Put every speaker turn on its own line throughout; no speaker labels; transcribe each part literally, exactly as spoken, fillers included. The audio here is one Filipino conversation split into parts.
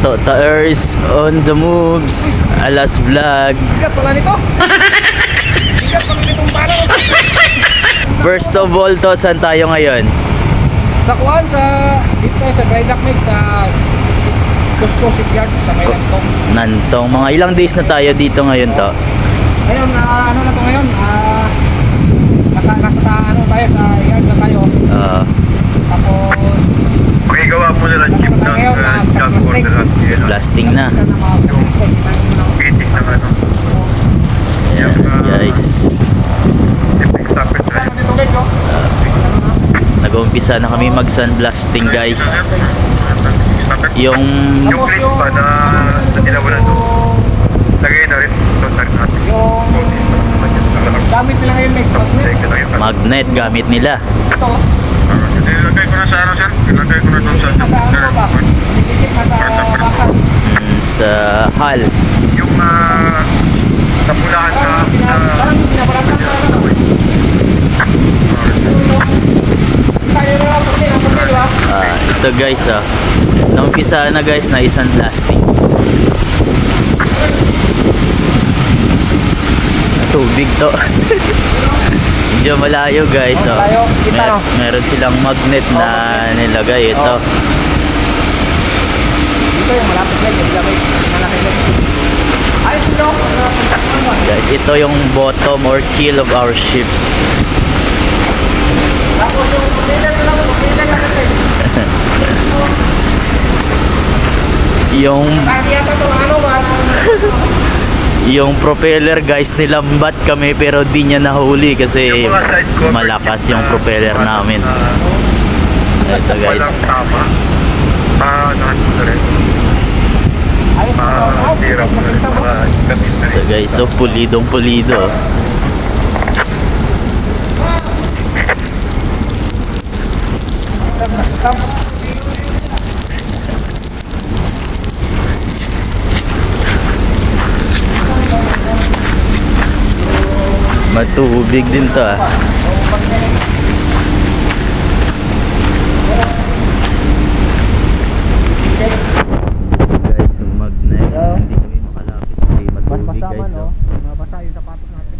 Totaer is on the moves. Alas vlog.
Bigat pala nito. Bigat pala nitong pala.
First of all to, saan tayo ngayon?
Sa kuwan, sa dito tayo sa dry dock mate sa Cusco Shipyard sa may Nantong.
Nantong. Mga ilang days na tayo dito ngayon to?
Ngayon, ah, ano na to ngayon? Ah, nasa, nasa ta, ano tayo, sa yard na tayo.
Ah,
Tapos,
Magigawa po nila
ano
chip
na
ng
ngayon?
uh,
Ah, sa
job
plastic.
order at yun.
blasting na.
Sa na mga plastic, ano,
Meeting ng ano.
Ayan, guys.
Shipping stoppage
ano
right.
dito guys, oh? Ano na?
Nag-uumpisa na kami mag-sunblasting, guys. Yung
Yung plate pa na na tinawalan doon. Lagay na rin doon sa rin natin.
Yung gamit nila ngayon next magnet.
magnet gamit nila.
Ito, oh.
Ilagay ko na sa ano sir. Ilagay ko na doon sa
Nasa ano ba? Dikit na sa bakal.
Mm, sa hal.
yung uh, napulahan na
Parang pina- parang pinabaratan na ano. Tayo na lang, puti lang, puti, di ba?
Ah, ito guys, ah. Naumpisa na guys na isang blasting. Tubig to. Medyo malayo guys, oh.
Malayo, kita, no?
Meron silang magnet na nilagay ito.
Dito yung malapit yan, yung lamay, malaki yan. Ay, ito,
Guys, ito yung bottom or keel of our ships.
tapos yung putilan na lang, putilan na lang.
Yung
Saan yata ito, ano ba?
yung propeller guys, nilambat kami pero di niya nahuli kasi malakas yung propeller namin. Ito guys.
Walang tama. Ah, nahan mo na rin.
Ayos na ito,
Ah, hirap na rin. Mga gamit na
Ito
rin.
guys, so pulidong pulido. Matubig din to ah. Guys, yung magnet, hindi kami makalapit kasi matubig guys. Oh.
Mabasa yung sapatos natin.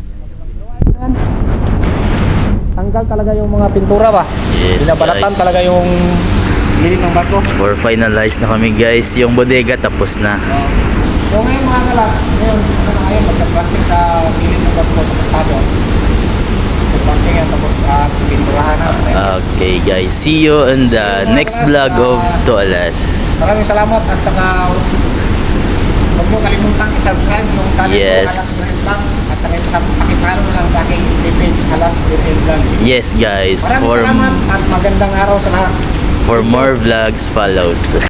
Tanggal talaga yung mga pintura ba?
Yes,
Binabalatan
guys.
talaga yung gilid ng barko.
For finalize na kami guys, yung bodega tapos na.
So ngayon mga kalas, ngayon, ano na ngayon, magsa-plastic sa gilid ng barko sa pantado. So plastic yan, tapos uh, pinturahan na.
Okay guys, see you in the next vlog of Toalas.
Maraming salamat at saka huwag mo kalimutan i-subscribe yung channel
Yes.
ko, Halas Marine Vlog. At saka sa- pakipalo na lang sa aking page, Halas Marine Vlog.
Yes guys,
Maraming
for
salamat at magandang araw sa lahat.
for more vlogs follows.